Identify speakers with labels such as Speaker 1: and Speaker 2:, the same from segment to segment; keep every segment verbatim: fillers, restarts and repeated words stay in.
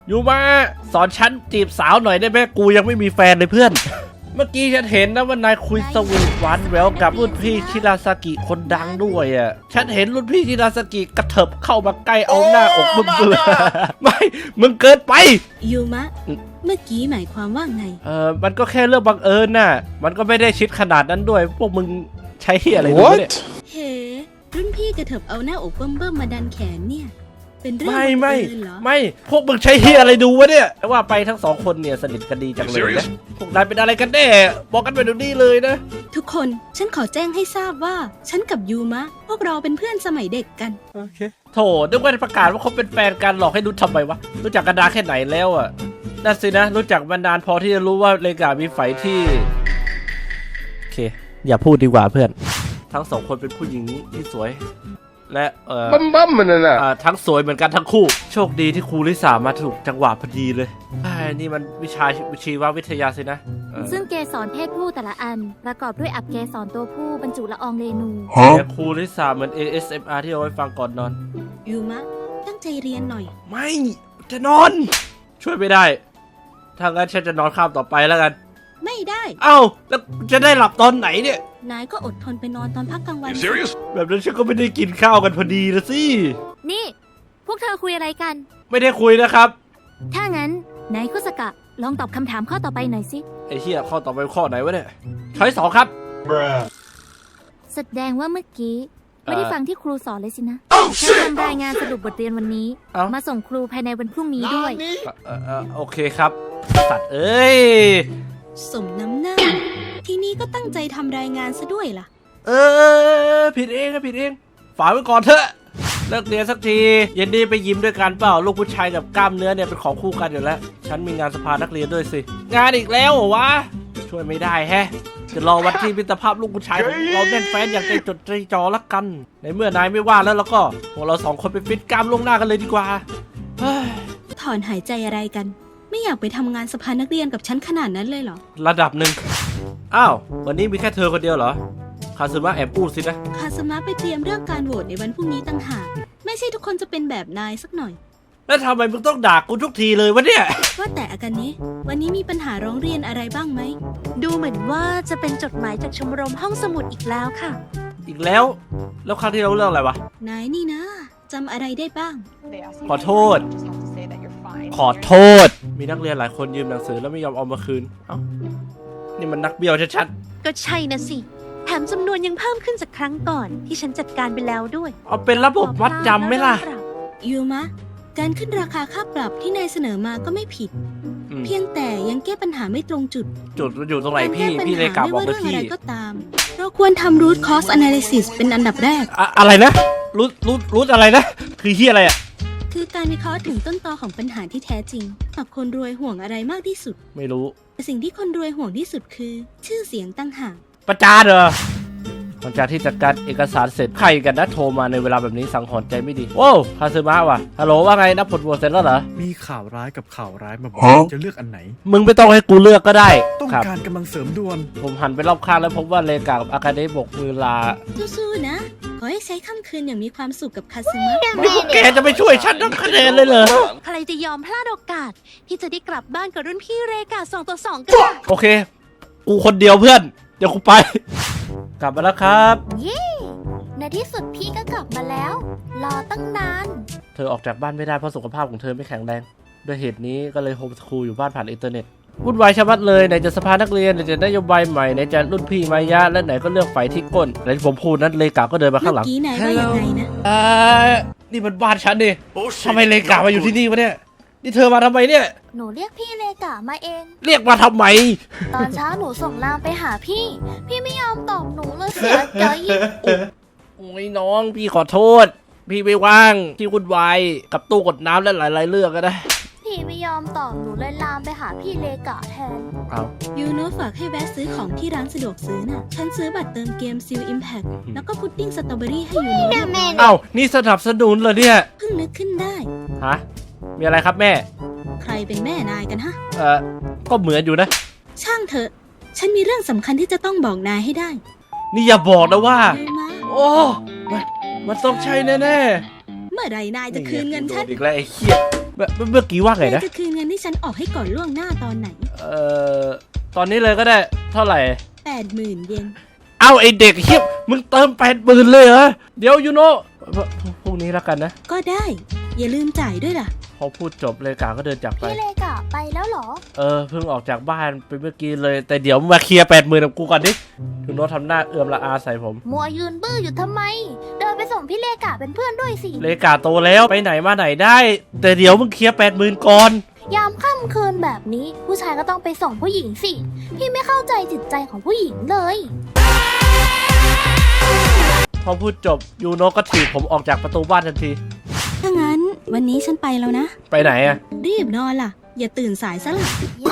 Speaker 1: ยูมาสอนฉันจีบสาวหน่อยได้ไหมกูยังไม่มีแฟนเลยเพื่อนเมื่อกี้ฉันเห็นนะว่านายคุยสวีทหวานแหววกับรุ่นพี่ชิราซากิคนดังด้วยอ่ะฉันเห็นรุ่นพี่ชิราซากิกระเถิบเข้ามาใกล้เอาหน้าอกมึงเลยไม่มึงเกินไป
Speaker 2: ยูมะเมื่อกี้หมายความว่าไง
Speaker 1: เออมันก็แค่เรื่องบังเอิญน่ะมันก็ไม่ได้ชิดขนาดนั้นด้วยพวกมึงใช้อะไรด้วยเนี่ย
Speaker 2: เฮ้รุ่นพี่กระเถิบเอาหน้าอกเบิ่มๆมาดันแขนเนี่ยเป็นเรื่อง
Speaker 1: ไม่ไม่
Speaker 2: เหรอ
Speaker 1: ไม่พวกมึงใช้เฮียอะไรดูวะเนี่ยแต่ว่าไปทั้งสองคนเนี่ยสนิทกันดีจังเลยนะพวกนายเป็นอะไรกันแน่บอกกันไปเดี๋ยวนี้เลยนะ
Speaker 2: ทุกคนฉันขอแจ้งให้ทราบว่าฉันกับยูมะพวกเราเป็นเพื่อนสมัยเด็กกัน
Speaker 1: โอเคโถนึกว่าประกาศว่าเขาเป็นแฟนกันหลอกให้รู้ทำไมวะรู้จักกันนานแค่ไหนแล้วอ่ะนั่นสินะรู้จักมานานพอที่จะรู้ว่าเลกามีไฝที่โอเคอย่าพูดดีกว่าเพื่อนทั้งสองคนเป็นผู้หญิงที่สวยและเอ่อ
Speaker 3: บั้มบั้มมันน่ะ
Speaker 1: ทั้งสวยเหมือนกันทั้งคู่โชคดีที่ครูลิสามาถูกจังหวะพอดีเลยไอ้นี่มันวิชาวิชีววิทยาสินะ
Speaker 4: ซึ่งเกสรเพศผู้แต่ละอันประกอบด้วยอับเกสรตัวผู้บรรจุละอองเรนู
Speaker 1: แต่ครูลิสาเหมือน เอ เอส เอ็ม อาร์ ที่เอาไว้ฟังก่อนนอน
Speaker 2: ยูมะตั้งใจเรียนหน่อย
Speaker 1: ไม่จะนอนช่วยไม่ได้ถ้างั้นฉันจะนอนข้ามต่อไปแล้วกัน
Speaker 2: ไม่ได้
Speaker 1: เอ้าแล้วจะได้หลับตอนไหนเนี่ย
Speaker 2: นายก็อดทนไปนอนตอนพักกลางวัน
Speaker 1: แบบนั้นฉันก็ไม่ได้กินข้าวกันพอดีละสิ
Speaker 4: นี่พวกเธอคุยอะไรกัน
Speaker 1: ไม่ได้คุยนะครับ
Speaker 4: ถ้างั้นนายคุสกะลองตอบคำถามข้อต่อไปหน่อยสิ
Speaker 1: ไอ้เหี้ยข้อต่อไปข้อไหนวะเนี่ยช้อยสองครับ
Speaker 4: แสดงว่าเมื่อกี้ไม่ได้ฟังที่ครูสอนเลยสินะฉันทำรายงานสรุปบทเรียนวันนี้มาส่งครูภายในวันพรุ่งนี้ด้วย
Speaker 1: โอเคครับสัตว์เอ้ย
Speaker 2: สมน้ำหน้าที่นี่ก็ตั้งใจทำรายงานซะด้วยล่ะ
Speaker 1: เออผิดเองนะผิดเองฝากไว้ก่อนเถอะเลิกเรียนสักทีเย็นนี้ไปยิ้มด้วยกันเปล่าลูกผู้ชายกับกล้ามเนื้อเนี่ยเป็นของคู่กันอยู่แล้วฉันมีงานสภานักเรียนด้วยสิงานอีกแล้วเหรอวะช่วยไม่ได้แฮะจะรอวันที่มิตรภาพลูกผู้ชายของเราแน่นแฟ้นอย่างใจจดใจจ่อละกันในเมื่อนายไม่ว่าแล้วแล้วก็พวกเราสองคนไปฟิตกล้ามล่วงหน้ากันเลยดีกว่า
Speaker 2: ถอนหายใจอะไรกันไม่อยากไปทำงานสภานักเรียนกับฉันขนาดนั้นเลยเหรอ
Speaker 1: ระดับหนึ่งอ้าววันนี้มีแค่เธอคนเดียวเหรอคาซึมะแอบพูดสินะ
Speaker 2: คาซึมะไปเตรียมเรื่องการโหวตในวันพรุ่งนี้ต่างหากไม่ใช่ทุกคนจะเป็นแบบนายสักหน่อย
Speaker 1: แล้วทำไมมึงต้องด่ากูทุกทีเลยวะเนี่ย
Speaker 2: ว่าแต่อาการนี้วันนี้มีปัญหาร้องเรียนอะไรบ้างไหม
Speaker 4: ดูเหมือนว่าจะเป็นจดหมายจากชมรมห้องสมุดอีกแล้วค่ะ
Speaker 1: อีกแล้วแล้วครั้งที่เราเรื่องอะไรวะ
Speaker 2: นายนี่นะจำอะไรได้บ้าง
Speaker 1: ขอโทษขอโทษมีนักเรียนหลายคนยืมหนังสือแล้วไม่ยอมเอามาคืนเอ้านี่มันนักเบี้ยวชัด
Speaker 4: ๆก็ใช่นะสิแถมจำนวนยังเพิ่มขึ้นจากครั้งก่อนที่ฉันจัดการไปแล้วด้วย
Speaker 1: เอาเป็นระบบวัดจำไหมล่ะ
Speaker 2: ยูมะการขึ้นราคาค่าปรับที่นายเสนอมาก็ไม่ผิดเพียงแต่ยังแก้ปัญหาไม่ตรงจุด
Speaker 1: จุดมันอยู่ตรงไหนพี่พี่เลยกลับบอกพี่
Speaker 2: อะไรก็ตามเราควรทำ root cause analysis เป็นอันดับแรก
Speaker 1: อะอะไรนะ root root root อะไรนะคือที่อะไรอ่ะ
Speaker 2: คือการวิเคราะห์ถึงต้นตอของปัญหาที่แท้จริงหากคนรวยห่วงอะไรมากที่สุด
Speaker 1: ไม่รู้
Speaker 2: แต่สิ่งที่คนรวยห่วงที่สุดคือชื่อเสียงตั้งหาก
Speaker 1: ประจานเหรอหลังจากที่จัดการเอกสารเสร็จใครกันนะโทรมาในเวลาแบบนี้สังหรณ์ใจไม่ดีโว้คาซึมะว่ะฮัลโหลว่าไงนับผลโหวตเสร็จแล้วเหรอ
Speaker 5: มีข่าวร้ายกับข่าวร้ายมาบอกจะเลือกอันไหน
Speaker 1: มึงไม่ต้องให้กูเลือกก็ได้
Speaker 5: ต้องการกำลังเสริมด่วน
Speaker 1: ผมหันไปรอบข้างแล้วพบว่าเลกากับอาคาเดะบกมือลา
Speaker 2: สู้ๆนะขอให้ใช้ค่ำคืนอย่างมีความสุขกับคาซึมะ
Speaker 1: นี่พวกแกจะไม่ช่วยฉันทำคะแนนเลยเหรอ
Speaker 4: ใครจะยอมพลาดโอกาสที่จะได้กลับบ้านกับรุ่นพี่เรกาสองต่อสองกัน
Speaker 1: โอเคกูคนเดียวเพื่อนเดี๋ยวกูไปกลับมาแล้วครับ
Speaker 4: เย้ในที่สุดพี่ก็กลับมาแล้วรอตั้งนาน
Speaker 1: เธอออกจากบ้านไม่ได้เพราะสุขภาพของเธอไม่แข็งแรงด้วยเหตุนี้ก็เลยโฮมสคูลอยู่บ้านผ่านอินเทอร์เน็ตวุ่นวายชะมัดเลยไหนจะสภานักเรียนไหนจะนโยบายใหม่ไหนจะรุ่นพี่มายะและไหนก็เรื่องไฟที่ก้นไหนผมพูดนั้นเลกาก็เดินมาข้างหลัง
Speaker 2: เมื่อกี้ไหนว่ายังไงนะ
Speaker 1: อ่านี่มันบ้านฉันดิทำไมเลกามาอยู่ที่นี่วะเนี่ยนี่เธอมาทำไมเนี่ย
Speaker 4: หนูเรียกพี่เลกามาเอง
Speaker 1: เรียกมาทำไม
Speaker 4: ตอนเช้าหนูส่งไลน์ไปหาพี่พี่ไม่ยอมตอบหนูเลยเสียใจ
Speaker 1: โอ้ยน้องพี่ขอโทษพี่ไม่ว่างที่วุ่นวายกับตู้กดน้ำและหลายๆเรื่องก็ได้
Speaker 4: พี่ไม่ยอมตอบหนูเลยลามไปหาพี่เลกาแทน
Speaker 1: เอา
Speaker 2: ยูโน่ฝากให้แวะซื้อของที่ร้านสะดวกซื้อน่ะฉันซื้อบัตรเติมเกมซิลอิมแพคแล้วก็พุดดิ้งสตรอเบอรี่ให้ยูโน่
Speaker 1: เอ้านี่สนับสนุนเหรอเนี่ย
Speaker 2: เพิ่งนึกขึ้นได้
Speaker 1: ฮะมีอะไรครับแม่
Speaker 2: ใครเป็นแม่นายกันฮะ
Speaker 1: เออก็เหมือนอยู่นะ
Speaker 2: ช่างเถอะฉันมีเรื่องสำคัญที่จะต้องบอกนายให้ได้
Speaker 1: นี่อย่าบอกนะว่าโอ้มันมันต้องใช่แน่
Speaker 2: ๆเมื่อไรนายจะคืนเงินฉัน
Speaker 1: อีกแล้วไอ้เหี้ยเมื่อกี้ว่าไง
Speaker 2: นาย
Speaker 1: นะ
Speaker 2: จะคืนเงินที่ฉันออกให้ก่อนล่วงหน้าตอนไหน
Speaker 1: เอ่อตอนนี้เลยก็ได้เท่าไหร่
Speaker 2: แปดหมื่นเยน
Speaker 1: เอ้าไอเด็กเฮียมึงเติมแปดหมื่นเลยเหรอเดี๋ยวยูโน่พรุ่งนี้แล้วกันนะ
Speaker 2: ก็ได้ อย่าลืมจ่ายด้วยล่ะ
Speaker 1: พอพูดจบเลกาก็เดินจากไป
Speaker 4: พี่เลกะไปแล้วเหรอ
Speaker 1: เออเพิ่งออกจากบ้านไปเมื่อกี้เลยแต่เดี๋ยวมาเคลียร์แปดหมื่นกับกูก่อนดิยูโน่ทำหน้าเอื่อมละอาใส่ผม
Speaker 4: มัวยืนบื้ออยู่ทำไม เดินไปส่งพี่เลกะเป็นเพื่อนด้วยสิ
Speaker 1: เลกาโตแล้วไปไหนมาไหนได้ แต่เดี๋ยวมึงเคลียร์แปดหมื่นก่อน
Speaker 4: ยามค่ำคืนแบบนี้ ผู้ชายก็ต้องไปส่งผู้หญิงสิ พี่ไม่เข้าใจจิตใจของผู้หญิงเลย
Speaker 1: พอพูดจบยูโน่ก็ถีบผมออกจากประตูบ้านทันที
Speaker 2: ถ้างั้นวันนี้ฉันไปแล้วนะ
Speaker 1: ไปไหนอะ
Speaker 2: รีบนอนล่ะ อย่าตื่นสายซะล่ะ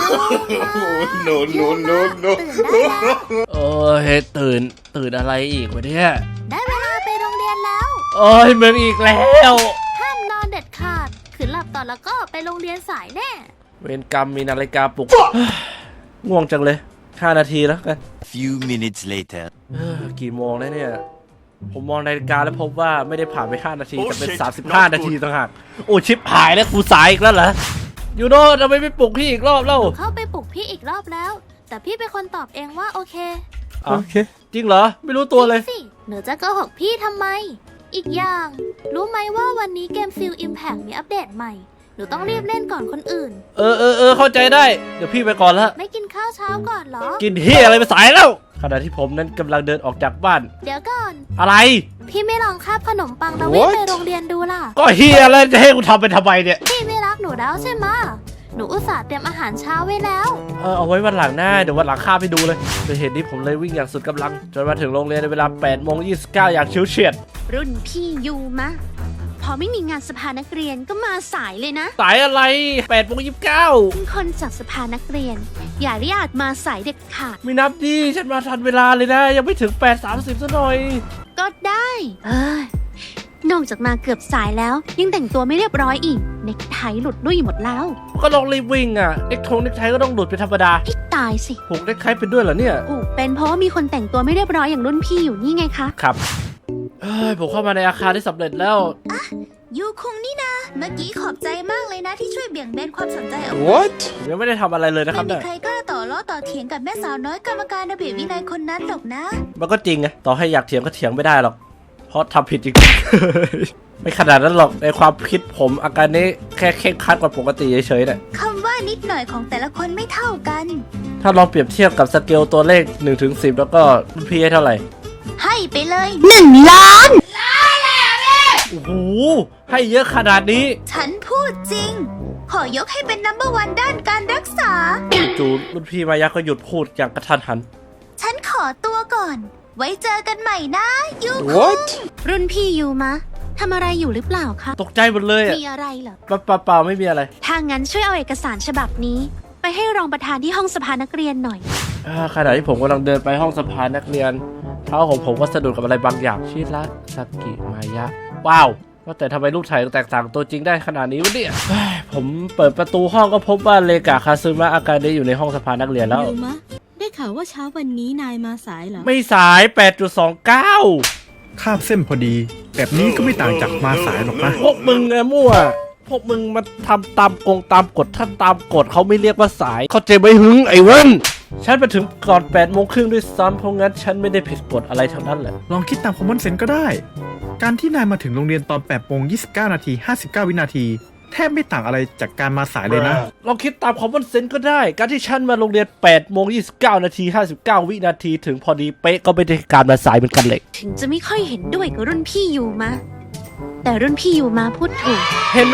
Speaker 4: no no no no ตื่นได้แล้ว
Speaker 1: เออเฮ้ยตื่นตื่นอะไรอีกวะเนี่ย
Speaker 4: ได้เวลาไปโรงเรียนแล้ว
Speaker 1: โอ้ยมึงอีกแล้ว
Speaker 4: ห้ามนอนเด็ดขาดขืนหลับต่อแล้วก็ไปโรงเรียนสายแน่
Speaker 1: เวรกรรมมีนาฬิกาปลุก ง่วงจังเลยห้านาทีแล้วกัน
Speaker 3: Few minutes later.
Speaker 1: เอ้อกี่โมงแล้วเนี่ย ผมมองนาฬิกาแล้วพบว่าไม่ได้ผ่านไปห้านาทีแต่เป็น
Speaker 3: Oh shit
Speaker 1: สามสิบห้า นาทีต่างหากโอ้ชิปหายแล้วกูสายอีกแล้วเหรอยูโน่ทำไมไม่ปลุกพี่อีกรอบเล่า
Speaker 4: เข้าไปปลุกพี่อีกรอบแล้ว แต่พี่เป็นคนตอบเองว่าโอเค
Speaker 1: โอเคจริงเหรอไม่รู้ตัวเลย
Speaker 4: จริงสิหนูจะโกหกพี่ทำไม อีกอย่าง รู้ไหมว่าวันนี้เกมฟิลอิมแพ t มีอัปเดตใหม่ หนูต้องรีบเล่นก่อนคนอื่น
Speaker 1: เออเออเออเข้าใจได้เดี๋ยวพี่ไปก่อนละ
Speaker 4: ไม่กินข้าวเช้าก่อนเหรอ
Speaker 1: กินเฮียอะไรไปสายแล้วขณะที่ผมนั้นกำลังเดินออกจากบ้าน
Speaker 4: เดี๋ยวก่อน
Speaker 1: อะไร
Speaker 4: พี่ไม่ลองคาบขนมปังแล้ววิ่ง
Speaker 1: What?
Speaker 4: ไปโรงเรียนดูล่ะ
Speaker 1: ก็เฮียแล้วจะให้กูทำไปทำไมเนี่ย
Speaker 4: พี่ไม่รักหนูแล้วใช่ไหมะหนูอุตส่าห์เตรียมอาหารเช้าไว้แล้ว
Speaker 1: เออเอาไว้วันหลังหน้าเดี๋ยววันหลังข้าไปดูเลยโดยเหตุนี้ผมเลยวิ่งอย่างสุดกำลังจนมาถึงโรงเรียนในเวลาแปดโมงยี่สิบเก้าอย่างชิวเฉียด
Speaker 6: รุ่นพี่ยูมะ พอไม่มีงานสภานักเรียนก็มาสายเลยนะ
Speaker 1: สายอะไรแปดโมงยี่สิบเก้า
Speaker 6: เป็นคนจากสภานักเรียน อย่าได้อาจมาสายเด็ดขาด
Speaker 1: ไม่นับดิฉันมาทันเวลาเลยนะ ยังไม่ถึงแปดสามสิบซะหน่อย
Speaker 6: ก็ได้เอ้ยนอกจากมาเกือบสายแล้ว ยังแต่งตัวไม่เรียบร้อยอีก เน็กไทหลุดลุ่ยหมดแล้ว
Speaker 1: ก็ลองรีบวิ่งอ่ะเน็กทงเน็กไทก็ต้องหลุดเป็นธรรมดา
Speaker 6: ให้ตายสิ
Speaker 1: ผูกเน็กไทเป็นด้วยเหรอเนี่ย
Speaker 6: ผูกเป็นเพราะว่ามีคนแต่งตัวไม่เรียบร้อยอย่างรุ่นพี่อยู่นี่ไงคะ
Speaker 1: ครับเอ้ยผมเข้ามาในอาคารที่สำเร็จแล้ว
Speaker 6: ยูคุงนี่นะ เมื่อกี้ขอบใจมากเลยนะที่ช่วยเบี่ยงเบนความสนใจเอา
Speaker 1: What ผมยังไม่ได้ทำอะไรเลยนะครับ
Speaker 6: ไม่มี
Speaker 1: เนี่ย
Speaker 6: ใครกล้าต่อล้อต่อเถียงกับแม่สาวน้อยกรรมการระเบียบวินัยคนนั้นหรอกนะ
Speaker 1: มันก็จริงไงต่อให้อยากเถียงก็เถียงไม่ได้หรอก เพราะทำผิดจริง ไม่ขนาดนั้นหรอกในความคิดผมอาการนี้แค่เคร่งครัดกว่าปกติเฉยๆเนี่ย
Speaker 6: คำว่านิดหน่อยของแต่ละคนไม่เท่ากัน
Speaker 1: ถ้าลองเปรียบเทียบกับสเกลตัวเลขหนึ่งถึงสิบแล้วก็รุ่นพี่ให้เท่าไหร่
Speaker 6: ให้ไปเลย
Speaker 2: หนึ่งล้าน
Speaker 1: โอ้โหให้เยอะขนาดนี้
Speaker 6: ฉันพูดจริง ขอยกให้เป็นนัมเบอร์วันด้านการรักษา
Speaker 1: จู่ๆรุ่นพี่มายะก็หยุดพูดอย่างกระทันหัน
Speaker 6: ฉันขอตัวก่อน ไว้เจอกันใหม่นะยู
Speaker 1: What
Speaker 6: รุ่นพี่ยูมะทำอะไรอยู่หรือเปล่าคะ
Speaker 1: ตกใจหมดเลยอ่ะ
Speaker 6: มีอะไรเหรอ
Speaker 1: เปล่าเปล่าๆไม่มีอะไร
Speaker 6: ถ้างั้นช่วยเอาเอกสารฉบับนี้ ไปให้รองประธานที่ห้องสภานักเรียนหน่อย
Speaker 1: อ่าขณะที่ผมกำลังเดินไปห้องสภานักเรียนเท้าของผมก็สะดุดกับอะไรบางอย่างชิระสกิมายะว้าวว่าแต่ทำไมรูปถ่ายแตกต่างตัวจริงได้ขนาดนี้วะเนี่ยเฮ้ยผมเปิดประตูห้องก็พบว่าเลกาคาซึมะอาการได้อยู่ในห้องสภานักเรียนแล้ว
Speaker 2: ยูมะ ได้ข่าวว่าเช้าวันนี้นายมาสายเหรอ
Speaker 1: ไม่สาย แปดจุดสองเก้า
Speaker 5: คาบเส้นพอดี แบบนี้ก็ไม่ต่างจากมาสายหรอกนะ
Speaker 1: พวกมึงไงมั่วพวกมึงมาทำตามกงตามกฎถ้าตามกฎเขาไม่เรียกว่าสายเขาใจไม่หึงไอ้เว้นฉันไปถึงก่อนแปดโมงครึ่งด้วยซ้ำเพราะงั้นฉันไม่ได้ผิดกฎอะไรทั้งนั้นแหละ
Speaker 5: ลองคิดตามคอมมอนเซนส์ก็ได้ การที่นายมาถึงโรงเรียนตอนแปดโมงยี่สิบเก้านาทีห้าสิบเก้าวินาที แทบไม่ต่างอะไรจากการมาสายเลยนะ
Speaker 1: ลองคิดตามคอมมอนเซนส์ก็ได้ การที่ฉันมาโรงเรียนแปดโมงยี่สิบเก้านาทีห้าสิบเก้าวินาทีถึงพอดีเป๊ะก็ไม่ได้การมาสายเหมือนกันเลย
Speaker 6: ถึงจะไม่ค่อยเห็นด้วยกับรุ่นพี่ยูมะ แต่รุ่นพี่ยูมะพูดถูก
Speaker 1: เห็นไหม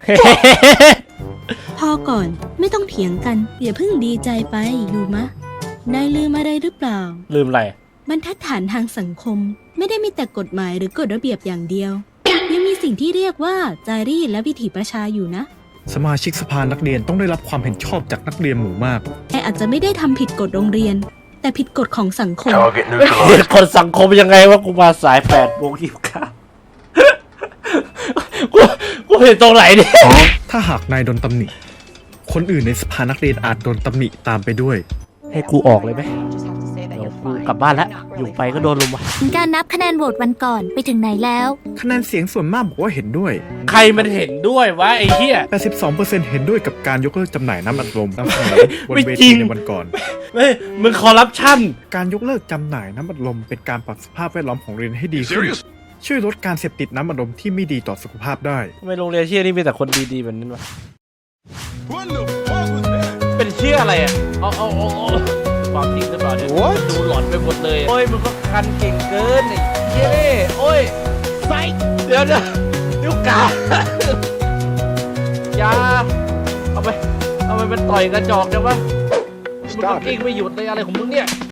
Speaker 2: พอก่อนไม่ต้องเถียงกันอย่าเพิ่งดีใจไปยูมะ นายลืมอะไรหรือเปล่า
Speaker 1: ลืมอะไร
Speaker 2: บรรทัดฐานทางสังคม ไม่ได้มีแต่กฎหมายหรือกฎระเบียบอย่างเดียว ยังมีสิ่งที่เรียกว่าจารีตและวิถีประชาอยู่นะ
Speaker 5: สมาชิกสภานักเรียนต้องได้รับความเห็นชอบจากนักเรียนหมู่มาก
Speaker 2: แต่อาจจะไม่ได้ทำผิดกฎโรงเรียน แต่ผิดกฎของสังคม
Speaker 1: คนสังคมยังไงว่ากูมาสายแปดโมงยี่สิบเก้ากูกูเห็นตรงไหนเนี่ย
Speaker 5: ถ้าหากนายโดนตำหนิ คนอื่นในสภานักเรียนอาจโดนตำหนิตามไปด้วย
Speaker 1: ให้กูออกเลยไหมเดี๋ยวผกูกลับบ้านแล้วอยู่ไปก็โดนลุมว่ะ
Speaker 4: การนับคะแนนโหวตวันก่อนไปถึงไหนแล้ว
Speaker 5: คะแนนเสียงส่วนมากบอกว่าเห็นด้วย
Speaker 1: ใครมันเห็นด้วยวะไอ้เหี้ย
Speaker 5: แปดสิบสองเปอร์เซ็นต์ เห็นด้วยกับการยกเลิกจำหน่ายน้ำอัดลมน้ำเสนอบน
Speaker 1: ไม่
Speaker 5: เว
Speaker 1: จริ
Speaker 5: ที
Speaker 1: ง
Speaker 5: ในวันก่อน
Speaker 1: เฮ้ยมึงคอร์รัปชัน
Speaker 5: การยกเลิกจำหน่ายน้ำอัดลมเป็นการปรับสภาพแวดล้อมของโรงเรียนให้ดีขึ้น ช่วยลดการเสพติดน้ำอัดลมที่ไม่ดีต่อสุขภาพได้
Speaker 1: ทำไมโรงเรียนเชี่ยนี่มีแต่คนดีๆแบบนั้นวะเป็นเชี่ยอะไรอ่ะเอาเอาเอาเอาความจริงหรือเปล่าเนี่ยดูหลอนไปหมดเลยโอ้ยมึงก็คันเก่งเกินไอ้เชี่ยนี่โอ้ยไซเดี๋ยวเดี๋ยวนิ้วกาอย่าเอาไปเอาไปเป็นต่อยกระจอกจังวะมึงก็กิ้งไม่หยุดเลยอะไรของมึงเนี่ย